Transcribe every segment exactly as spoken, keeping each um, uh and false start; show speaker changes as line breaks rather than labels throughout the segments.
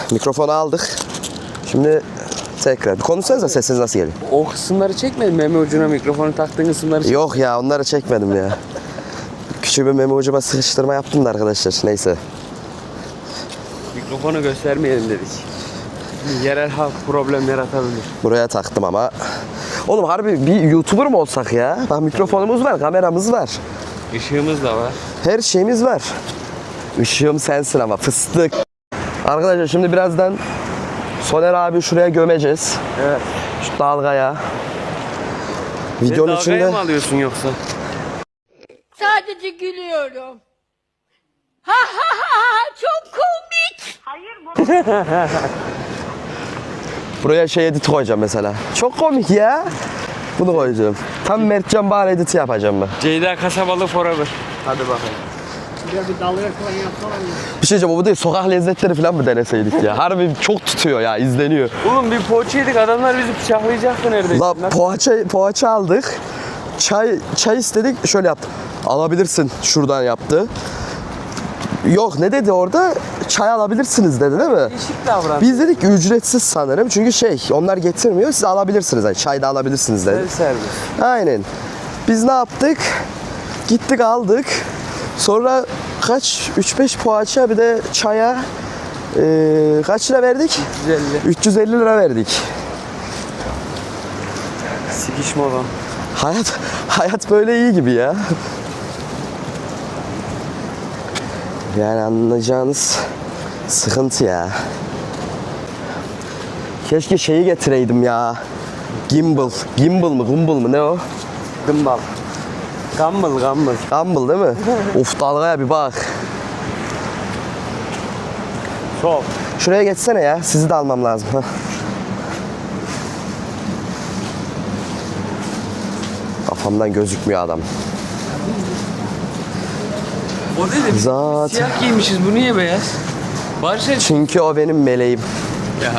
Mikrofonu aldık. Şimdi tekrar. Bir konuşsanıza, sesiniz nasıl geliyor?
O kısımları çekmedin mi? Meme ucuna mikrofonu taktığın kısımları çekmedin.
Yok ya, onları çekmedim ya. Küçük bir meme ucuma sıkıştırma yaptım da arkadaşlar. Neyse.
Mikrofonu göstermeyelim dedik. Yerel halk problem yaratabilir.
Buraya taktım ama. Oğlum harbi bir YouTuber mı olsak ya? Bak mikrofonumuz var, kameramız var.
Işığımız da var.
Her şeyimiz var. Işığım sensin ama fıstık. Arkadaşlar şimdi birazdan Soner abi şuraya gömeceğiz.
Evet.
Şu dalgaya.
Videonun
Videonun
dalgaya
içinde...
mı alıyorsun yoksa?
Sadece gülüyorum. Ha ha ha ha, çok komik. Hayır bu.
Buraya şey edit koyacağım mesela. Çok komik ya. Bunu koyacağım. Tam Mertcan Bahar editi yapacağım ben.
Ceyda Kasabalı forever. Hadi bakalım.
Bir bir dalga falan yapsalar mı?
Bir şey diyeceğim, bu değil, sokak lezzetleri falan mı deneseydik ya? Harbi çok tutuyor ya, izleniyor.
Oğlum bir poğaça yedik, adamlar bizi bıçaklayacaktı neredeyse.
La poğaça, poğaça aldık. Çay çay istedik, şöyle yaptı. Alabilirsin şuradan yaptı. Yok, ne dedi orada? Çay alabilirsiniz dedi değil mi?
Değişik davran.
Biz dedik ki ücretsiz sanırım. Çünkü şey, onlar getirmiyor. Siz alabilirsiniz. Yani çay da alabilirsiniz dedi.
Self servis.
Aynen. Biz ne yaptık? Gittik aldık. Sonra kaç? üç beş poğaça bir de çaya ee, kaç lira verdik?
üç yüz elli.
üç yüz elli lira verdik.
Sikişme olan.
Hayat hayat böyle iyi gibi ya. Yani anlayacağınız sıkıntı ya. Keşke şeyi getireydim ya. Gimbal. Gimbal mı? Gumbal mı? Ne o?
Dımbal. Gumball, gumball.
Gimbal değil mi? Of, dalgaya bir bak.
Sol.
Şuraya geçsene ya. Sizi de almam lazım. Heh. Kafamdan gözükmüyor adam.
O dedi biz
Zaten.
siyah giymişiz, bu niye beyaz? Barış et.
Çünkü o benim meleğim.
Ya.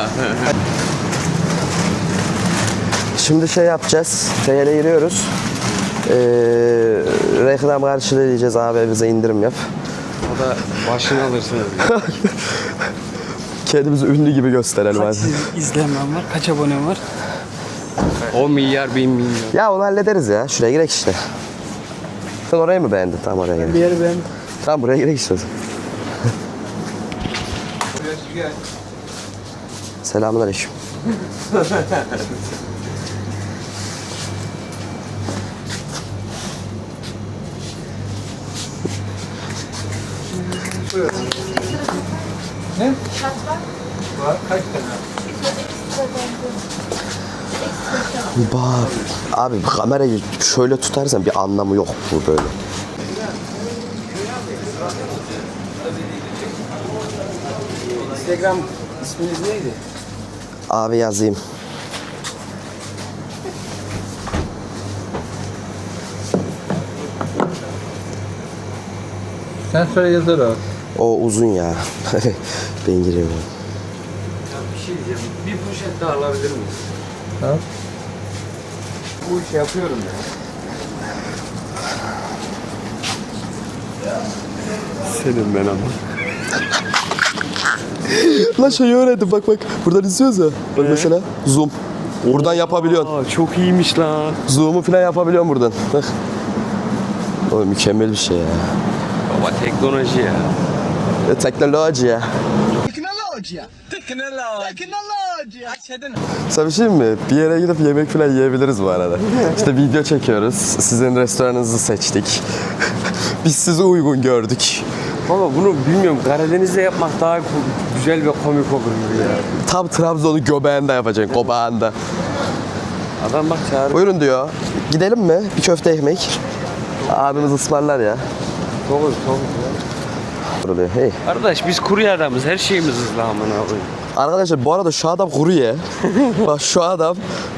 Şimdi şey yapacağız. T L'ye giriyoruz. Ee, reklam karşılığı diyeceğiz, abi bize indirim yap.
O da başını alırsınız.
Kendimizi ünlü gibi gösterelim hadi.
İzlenmem var. Kaç abonem var?
on milyar, bin milyon.
Ya onu hallederiz ya. Şuraya girek işte. Sen orayı mı beğendin? Tamam, oraya
Bir
girek.
yeri ben
Tamam, buraya girek işte. Selamünaleyküm. Bak abi, kamerayı şöyle tutarsan bir anlamı yok bu böyle.
Instagram isminiz neydi?
Abi yazayım.
Sen söyle yazar o.
O uzun ya. Ben giriyorum.
Ya bir şey diyeceğim. Bir poşet daha alabilir miyiz?
Ha?
Bu işi yapıyorum ya.
Senin ben ama. Lan şeyi öğrendim, bak bak. Buradan izliyoruz ya. Bak mesela zoom. Buradan yapabiliyorsun.
Aa, çok iyiymiş lan.
Zoom'u falan yapabiliyorsun buradan. Bak. Oğlum mükemmel bir şey ya.
Baba teknoloji ya.
E, teknoloji ya.
Teknoloji. Teknoloji. Teknoloji.
Sana bir şey mi? Bir yere gidip yemek falan yiyebiliriz bu arada. İşte video çekiyoruz. Sizin restoranınızı seçtik. Biz sizi uygun gördük.
Baba bunu bilmiyorum. Karadeniz'de yapmak daha ku- güzel ve komik olur gibi ya.
Tam Trabzon'un göbeğinde yapacaksın, kobağında.
Adam bak çağırıyor.
Buyurun diyor. Gidelim mi? Bir köfte ekmek. Abimiz ısmarlar ya.
Çok hızlı, çok hızlı.
Oluyor. Hey.
Kardeş biz kurye adamız. Her şeyimiz hızlı amına koyayım.
Arkadaşlar bu arada şu adam kuru ye. Bak şu adam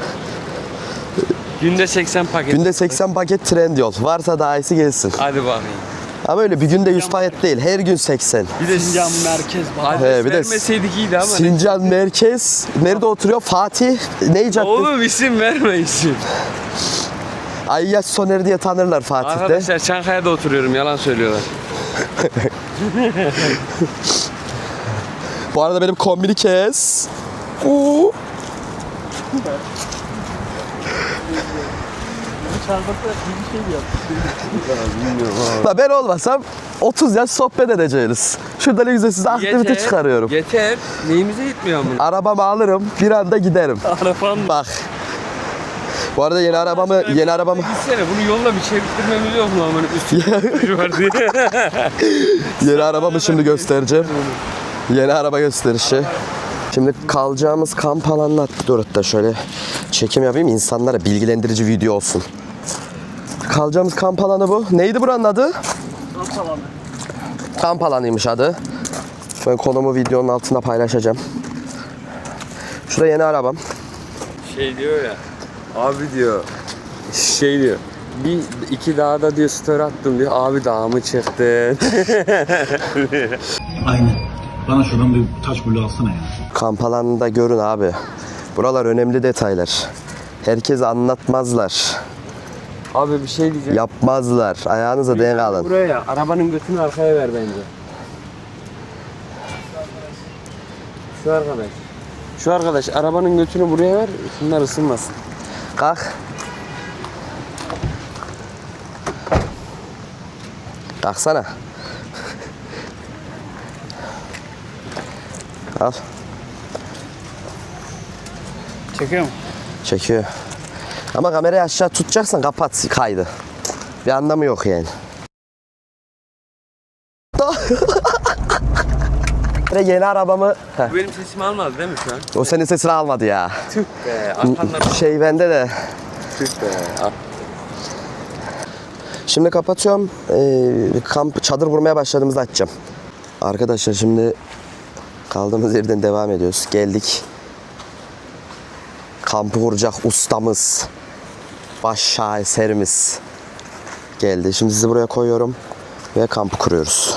Günde seksen paket.
günde seksen paket Trendyol. Varsa daha iyisi gelsin.
Hadi bakayım.
Ama öyle bir günde yüz paket değil. Her gün seksen.
Bir de
Sincan merkez var.
adres
He, bir de
vermeseydik iyiydi ama.
Sincan merkez. Nerede oturuyor? Fatih. Ne caddesi?
Oğlum isim verme isim.
Ayyaş Soner diye tanırlar Fatih'te.
Arkadaşlar Çankaya'da oturuyorum. Yalan söylüyorlar.
Bu arada benim kombini kes. Oo. La ben olmasam otuz yaş sohbet edeceğiz. Şurada ne güzel size aktivite çıkarıyorum.
Yeter. Neyimize yetmiyor ama.
Arabamı alırım, bir anda giderim.
Arabam mı?
Bak. Bu arada yeni arabamı, yeni arabamı...
Gitsene bunu yolla bir çevirttirmemiz yok mu aman üstüne var diye.
Yeni arabamı şimdi göstereceğim. Yeni araba gösterişi. Şimdi kalacağımız kamp alanına dur hatta şöyle çekim yapayım insanlara bilgilendirici video olsun. Kalacağımız kamp alanı bu. Neydi buranın adı?
Kamp alanı.
Kamp alanıymış adı. Ben konumu videonun altına paylaşacağım. Şurada yeni arabam.
Şey diyor ya. Abi diyor. Şey diyor. Bir iki dağda diyor story attım diyor. Abi dağa mı çıktın?
Aynen. Bana şuradan bir taş bulu alsana ya.
Kamp alanında görün abi. Buralar önemli detaylar. Herkese anlatmazlar.
Abi bir şey diyeceğim.
Yapmazlar. Ayağınıza denk alın.
Buraya arabanın götünü arkaya ver bence. Şu arkadaş. Şu arkadaş arabanın götünü buraya ver. Şunlar ısınmasın.
Kalk. Kalksana. Al.
Çekiyor mu?
Çekiyor. Ama kamerayı aşağı tutacaksan kapat kaydı. Bir anlamı yok yani. Yeni arabamı... Heh,
Bu benim sesimi almadı değil mi şu an?
o senin sesini almadı ya.
Tüh be. Arkandan
Şey bende de.
tüh be. Al.
Şimdi kapatıyorum. Ee, kamp çadır kurmaya başladığımızda açacağım. Arkadaşlar şimdi kaldığımız yerden devam ediyoruz. Geldik. Kampı kuracak ustamız, baş şaheserimiz geldi. Şimdi sizi buraya koyuyorum ve kampı kuruyoruz.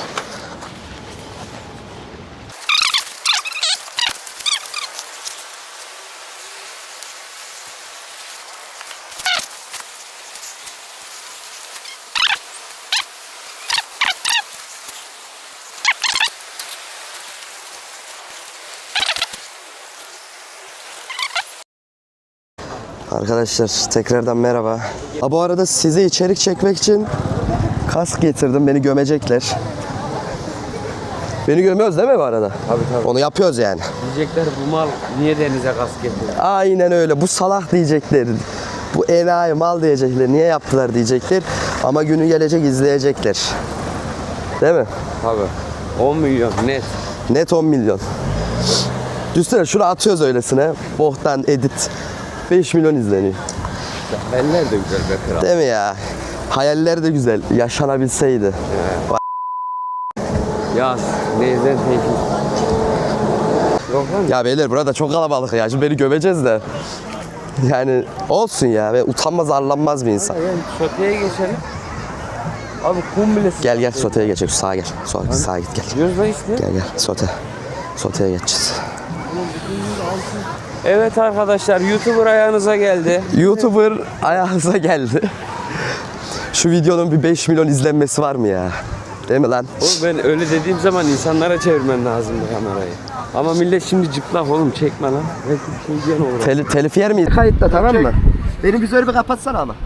Arkadaşlar tekrardan merhaba. Ha, bu arada size içerik çekmek için kask getirdim. Beni gömecekler. Beni gömüyoruz değil mi bu arada?
Tabii tabii.
Onu yapıyoruz yani.
Diyecekler bu mal niye denize kask getiriyor?
Aynen öyle. Bu salak diyecekler. Bu enayi mal diyecekler. Niye yaptılar diyecekler. Ama günü gelecek izleyecekler. Değil mi?
Tabii. on milyon net.
Net on milyon. Düşünsene şunu atıyoruz öylesine. Bohtan edit. beş milyon izleniyor.
Eller de güzel be kral.
Değil mi ya? Hayaller de güzel. Yaşanabilseydi.
Yaz. Neyden peki? Yok lan.
Ya beyler burada çok kalabalık ya. Şimdi beni gömeceğiz de. Yani olsun ya. Ve utanmaz arlanmaz bir insan.
Yani soteye geçelim. Abi kum bile...
Gel gel soteye geçelim. Sağa gel. Sağa, sağa git gel.
Diyoruz da işte.
Gel gel sote. Soteye geçeceğiz.
Evet arkadaşlar YouTuber ayağınıza geldi.
YouTuber ayağınıza geldi. Şu videonun bir beş milyon izlenmesi var mı ya? Değil mi lan?
Oğlum ben öyle dediğim zaman insanlara çevirmen lazım bu kamerayı. Ama millet şimdi cıplak oğlum çekme lan. Belki bir şey diyen olur.
Tel telif yer miyiz? Kayıtta tamam mı? Benim vizörü bir kapatsana ama.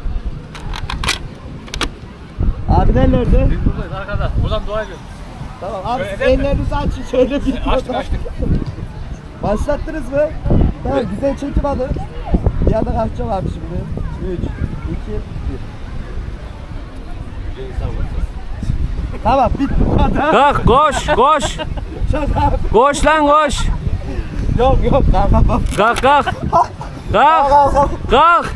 Abiler nerede?
Buradayız arkada. Buradan dua ediyoruz.
Tamam abi siz ellerinizi açın şöyle bir
Açtık açtık.
Başlattınız mı? Tamam güzel çekim alın. Bir anda kalkacağım abi şimdi. üç, iki, bir. Tamam bitti bu kadar.
Kalk koş koş. Koş lan koş.
Yok yok kalkamam.
Kalk kalk. Kalk. Kalk.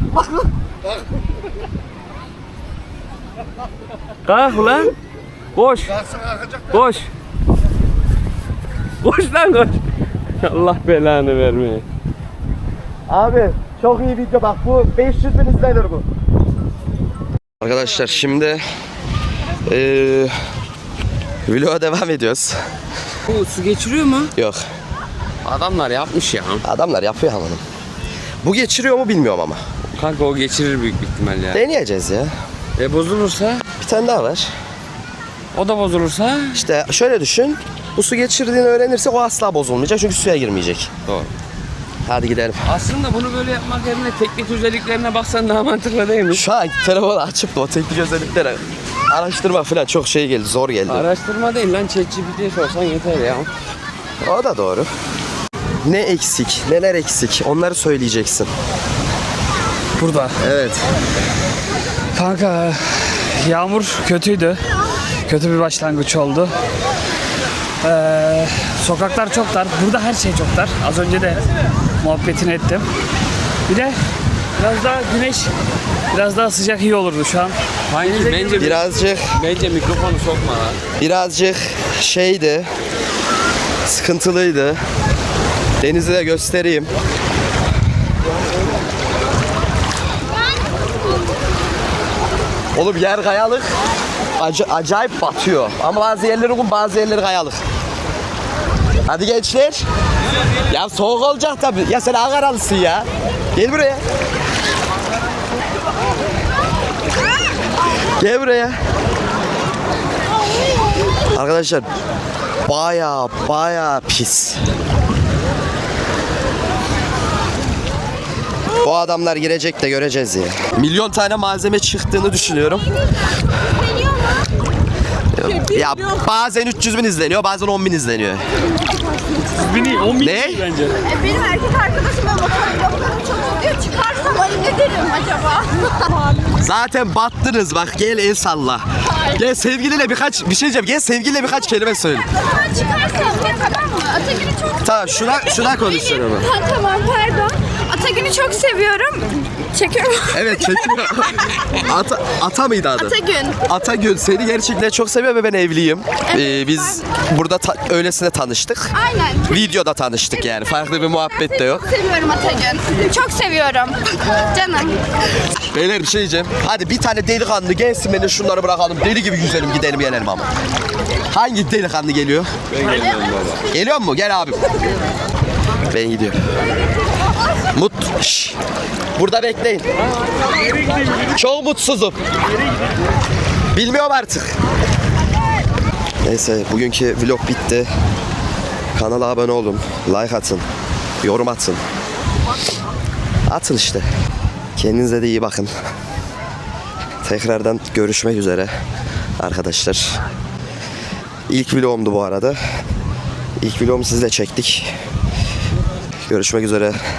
Kalk lan. Koş. Koş. Koş lan koş. Allah belanı vermeye.
Abi çok iyi video bak bu beş yüz bin izlenir bu. Arkadaşlar şimdi eee vloga devam ediyoruz.
Bu su geçiriyor mu?
Yok
Adamlar yapmış ya.
adamlar yapıyor ama. Bu geçiriyor mu bilmiyorum ama.
Kanka o geçirir büyük bir ihtimal ya.
Deneyeceğiz ya.
E bozulursa?
Bir tane daha var.
O da bozulursa?
İşte şöyle düşün. Bu su geçirdiğini öğrenirsek o asla bozulmayacak çünkü suya girmeyecek.
Doğru.
Hadi gidelim.
Aslında bunu böyle yapmak yerine teknik özelliklerine baksan daha mantıklı değil mi?
Şu an telefonu açıp da o teknik özellikleri araştırma falan çok şey geldi, zor geldi.
Araştırma değil lan, ChatGPT'ye sorsan yeter ya.
O da doğru. Ne eksik, neler eksik onları söyleyeceksin.
Burada.
Evet.
Kanka yağmur kötüydü. Kötü bir başlangıç oldu. Ee, sokaklar çok dar. Burada her şey çok dar. Az önce de muhabbetini ettim. Bir de biraz daha güneş, biraz daha sıcak iyi olurdu şu an.
Hangi? Bence,
Birazcık,
bence mikrofonu sokma lan.
birazcık şeydi, sıkıntılıydı. Denizi de göstereyim. Oğlum yer kayalık. Ac- acayip batıyor. Ama bazı yerleri kum, bazı yerleri kayalık. Hadi gençler. Ya soğuk olacak tabii. Ya sen Ankaralısın ya. Gel buraya. Gel buraya. Arkadaşlar baya baya pis. Bu adamlar girecek de göreceğiz ya. Milyon tane malzeme çıktığını düşünüyorum. Ya bazen üç yüz bin izleniyor, bazen on bin izleniyor.
Bini on bin
Ne?
bence.
Benim erkek arkadaşım ve motorluklarım çok oluyor. Çıkarsam ay ne derim acaba?
Zaten battınız bak, gel el salla. Gel sevgiliyle birkaç bir şey diyeceğim. Gel sevgiliyle birkaç kelime söyle.
Ben çıkarsam ne tamam mı? Atagün'ü çok
Tamam şuna şuna konuşuyorum ama.
Ha, tamam pardon. Atagün'ü çok seviyorum. Çekiyorum.
Evet çekiyor. Ata, ata mıydı adı?
Atagün.
Atagül seni gerçekten çok seviyor ve ben evliyim. Ee, biz burada ta- öylesine tanıştık.
Aynen.
Videoda tanıştık yani. Farklı bir muhabbet de yok.
Çok seviyorum Atagün. Çok seviyorum. Canım.
Beyler bir şey diyeceğim. Hadi bir tane delikanlı gelsin, beni şunları bırakalım. Deli gibi yüzelim, gidelim gelelim ama. Hangi delikanlı geliyor?
Ben gelmiyorum baba.
Geliyor mu? Gel abim. Ben gidiyorum. Mut. Şşş. Burada bekleyin. Çok mutsuzum. Bilmiyorum artık. Neyse bugünkü vlog bitti. Kanala abone olun. Like atın. Yorum atın. Atın işte. Kendinize de iyi bakın. Tekrardan görüşmek üzere arkadaşlar. İlk vlogumdu bu arada. İlk vlogumu sizle çektik. Görüşmek üzere.